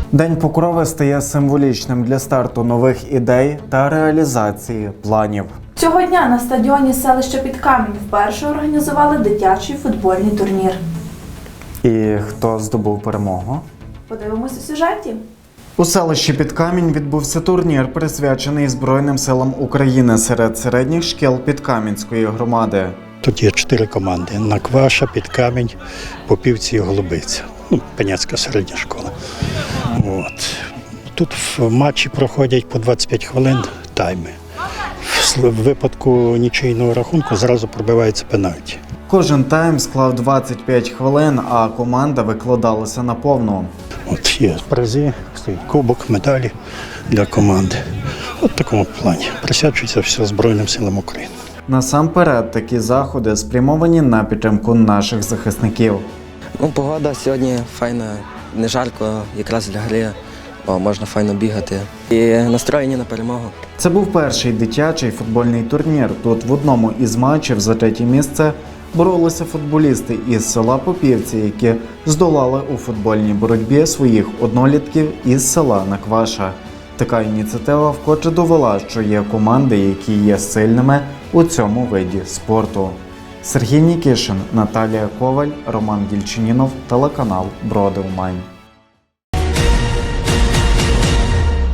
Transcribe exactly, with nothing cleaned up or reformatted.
День Покрови стає символічним для старту нових ідей та реалізації планів. Цього дня на стадіоні селища Підкамінь вперше організували дитячий футбольний турнір. І хто здобув перемогу? Подивимось у сюжеті. У селищі Підкамінь відбувся турнір, присвячений Збройним силам України серед середніх шкіл Підкам'янської громади. Тут є чотири команди: Накваша, Підкамінь, Попівці і Голубиця. Ну, Пеняцька середня школа. От. Тут в матчі проходять по двадцять п'ять хвилин тайми. В випадку нічийного рахунку зразу пробивається пенальті. Кожен тайм склав двадцять п'ять хвилин, а команда викладалася на повну. От є призи, стоїть кубок, медалі для команди. От в такому плані. Присвячується все Збройним силам України. Насамперед, такі заходи спрямовані на підтримку наших захисників. Ну, погода сьогодні файна, не жарко, якраз для гри, о, можна файно бігати. І настроєні на перемогу. Це був перший дитячий футбольний турнір. Тут в одному із матчів за третє місце боролися футболісти із села Попівці, які здолали у футбольній боротьбі своїх однолітків із села Накваша. Така ініціатива вкотре довела, що є команди, які є сильними у цьому виді спорту. Сергій Нікішин, Наталія Коваль, Роман Дільчинінов, телеканал Броди Умань.